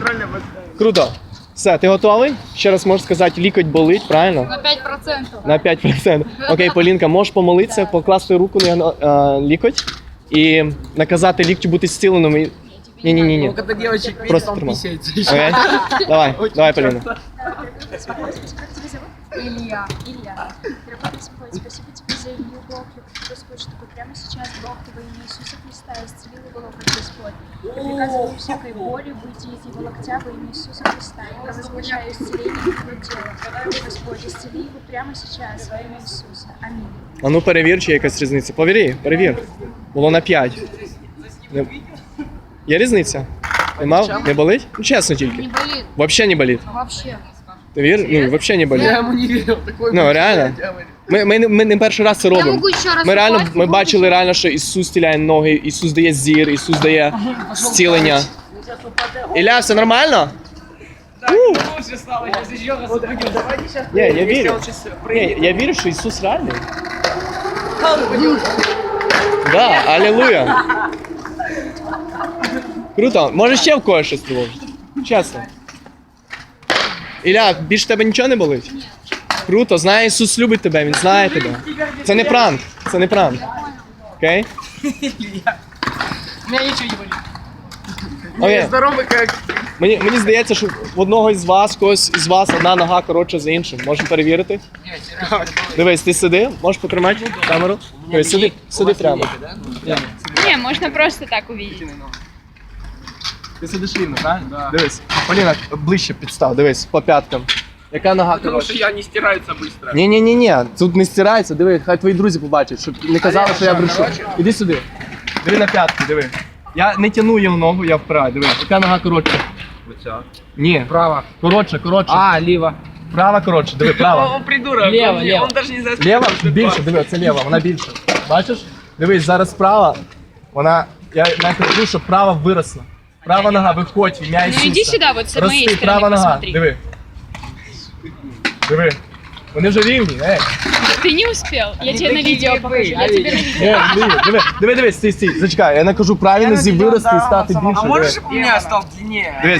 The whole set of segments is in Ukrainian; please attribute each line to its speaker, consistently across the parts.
Speaker 1: Круто. Все, ти готовий? Ще раз можеш сказати, лікоть болить, правильно?
Speaker 2: На 5%.
Speaker 1: На 5%. Окей, Полінка, можеш помолитися, покласти руку на лікоть і наказати ліктю бути зціленим. Ні.
Speaker 3: Когда девочек видит,
Speaker 1: Просто
Speaker 3: он
Speaker 1: тримай.
Speaker 3: писается.
Speaker 1: Окей? Давай, Поліна.
Speaker 2: Илья.
Speaker 4: Дорогой Господь, спасибо тебе за Илью Бог, Господь, чтобы прямо сейчас Бог во имя Иисуса Христа исцелил его локоть, Господь. Я приказываю всякой боли выйти из его локтя во имя Иисуса Христа. Я возглашаю исцеление его тела. Господь, исцели его прямо сейчас во имя Иисуса. Аминь.
Speaker 1: А ну перевір, чи є якась різниця. Перевір. Було на 5. Є різниця? Нема? Не болить? Ну чесно тільки.
Speaker 2: Не болит.
Speaker 1: Вообще не болить.
Speaker 2: Вообще.
Speaker 1: Ти вір? Ну, вообще не болить.
Speaker 3: Я ему не верил. Такой
Speaker 1: Ну, реально. Ми не перший раз це
Speaker 2: Я
Speaker 1: робимо.
Speaker 2: могу еще раз
Speaker 1: Ми реально
Speaker 2: упасть,
Speaker 1: ми
Speaker 2: могу
Speaker 1: бачили
Speaker 2: еще-
Speaker 1: реально, що Ісус стіляє ноги, Ісус дає зір, Ісус дає зцілення. Ілля, все нормально?
Speaker 3: лучше стало, сейчас еще раз упадем. Давайте сейчас.
Speaker 1: Ні, я вірю. Ні, я вірю, що Ісус реальний. Да, алілуя. Круто. Може ще в когось щось тривожить? Чесно. Ілля, більше тебе нічого не болить? Круто, знає Ісус любить тебе, Він знає тебе. Це не пранк, це не пранк. Окей?
Speaker 3: У меня ничего не болит.
Speaker 1: Окей.
Speaker 3: Я здоровый как...
Speaker 1: Мені здається, що в одного із вас, когось із вас одна нога коротша за іншим. Можемо перевірити? Дивись, ти сиди, можеш потримати камеру? Дивись, сиди прямо.
Speaker 2: Не, можно просто так увидеть.
Speaker 1: Ти сидиш рівно, правильно? Да. Дивись. Поліна, ближче підстав, дивись, по п'яткам. Яка нога
Speaker 3: Потому что
Speaker 1: коротша?
Speaker 3: я не стирается быстро.
Speaker 1: Ні, тут не стирається, диви, хай твої друзі побачать, щоб не казали, що я брешу. Іди сюди. Диви на п'ятки, диви. Я не тяну їм ногу, я впираю, диви. Яка нога коротша? Ні.
Speaker 3: Право.
Speaker 1: Коротше.
Speaker 3: А, лево.
Speaker 1: Права коротше, диви, права.
Speaker 3: Он придурок.
Speaker 5: Лево,
Speaker 3: он,
Speaker 5: лево.
Speaker 3: Он даже не знает,
Speaker 1: Лєва більше, диви, це лєва, вона більше. Бачиш? Дивись, зараз справа, вона, я навіть кажу, що права виросла. Права нога, виходь, в ім'я Ісуса.
Speaker 2: Ну иди сюда, вот с моей
Speaker 1: Рости,
Speaker 2: стороны
Speaker 1: права нога,
Speaker 2: посмотри.
Speaker 1: диви. Диви. Вони вже рівні,
Speaker 2: Ты не успел. Я тебе на видео покажу. Я тебе на видео.
Speaker 1: Диви, стій, зачекай, я не кажу правильно зі вирости і стати більше.
Speaker 3: А
Speaker 1: диви.
Speaker 3: можешь, чтобы у меня стал длиннее?
Speaker 1: Диви,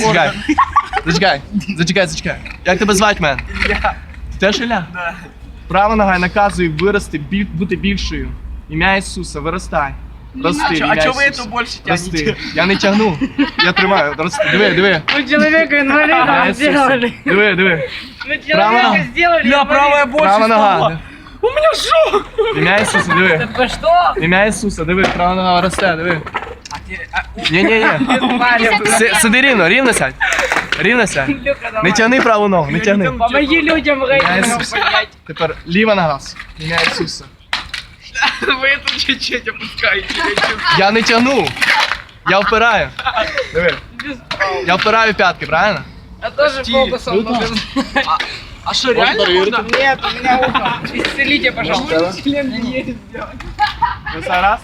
Speaker 1: зачекай. Як тебе звати, мен?
Speaker 3: Илья.
Speaker 1: Ти теж Ілля?
Speaker 3: Да.
Speaker 1: Права нога наказує вирости, бути більшою. Ім'я Ісуса, виростай. Рости,
Speaker 3: А
Speaker 1: ім'я
Speaker 3: что вы
Speaker 1: Ісуса.
Speaker 3: эту больше
Speaker 1: Рости.
Speaker 3: тянете?
Speaker 1: Я не тягну. Я тримаю. Рости. Диви.
Speaker 5: Ну, человека
Speaker 1: Ім'я
Speaker 5: инвалидом
Speaker 1: Ісуса.
Speaker 5: сделали.
Speaker 1: Диви.
Speaker 5: Ну,
Speaker 1: Права нога.
Speaker 5: человека сделали
Speaker 3: Бля, правая больше
Speaker 1: Права нога.
Speaker 3: стала. У меня шок!
Speaker 1: Ім'я Ісуса, диви.
Speaker 5: Вы что?
Speaker 1: Ім'я Ісуса, диви. Права нога росте, диви. Ні.
Speaker 5: Парень,
Speaker 1: Сиди рівно сядь. Рівно сядь.
Speaker 5: Илюха, давай.
Speaker 1: Не тягни праву ногу, не тягни.
Speaker 5: Помоги людям рейтингом
Speaker 1: Ісуса.
Speaker 5: поднять.
Speaker 1: Тепер ліва нога. Ім'я Ісуса.
Speaker 3: Вы это чуть-чуть опускаете.
Speaker 1: Я не тягну. Я впираю. Диви. Я впираю п'ятки, правильно?
Speaker 5: А тоже фокусом нужен.
Speaker 3: А что, реально можно?
Speaker 5: Нет, у меня ухо. Исцелите, пожалуйста. Член не сделать.
Speaker 1: Ну, все раз.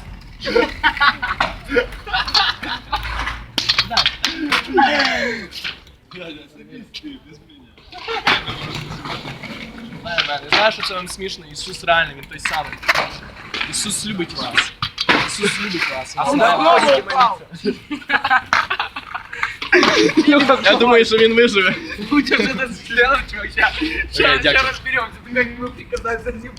Speaker 1: Я знаю, що це вам смішно. Ісус реальний, Він той самий. Ісус любить вас. Ісус любить вас. Він знає. Я думаю, що він виживе.
Speaker 3: Лучше же это сделать, чувак. Сейчас
Speaker 1: дякую.
Speaker 3: разберемся. Ты как мы приказать за ним.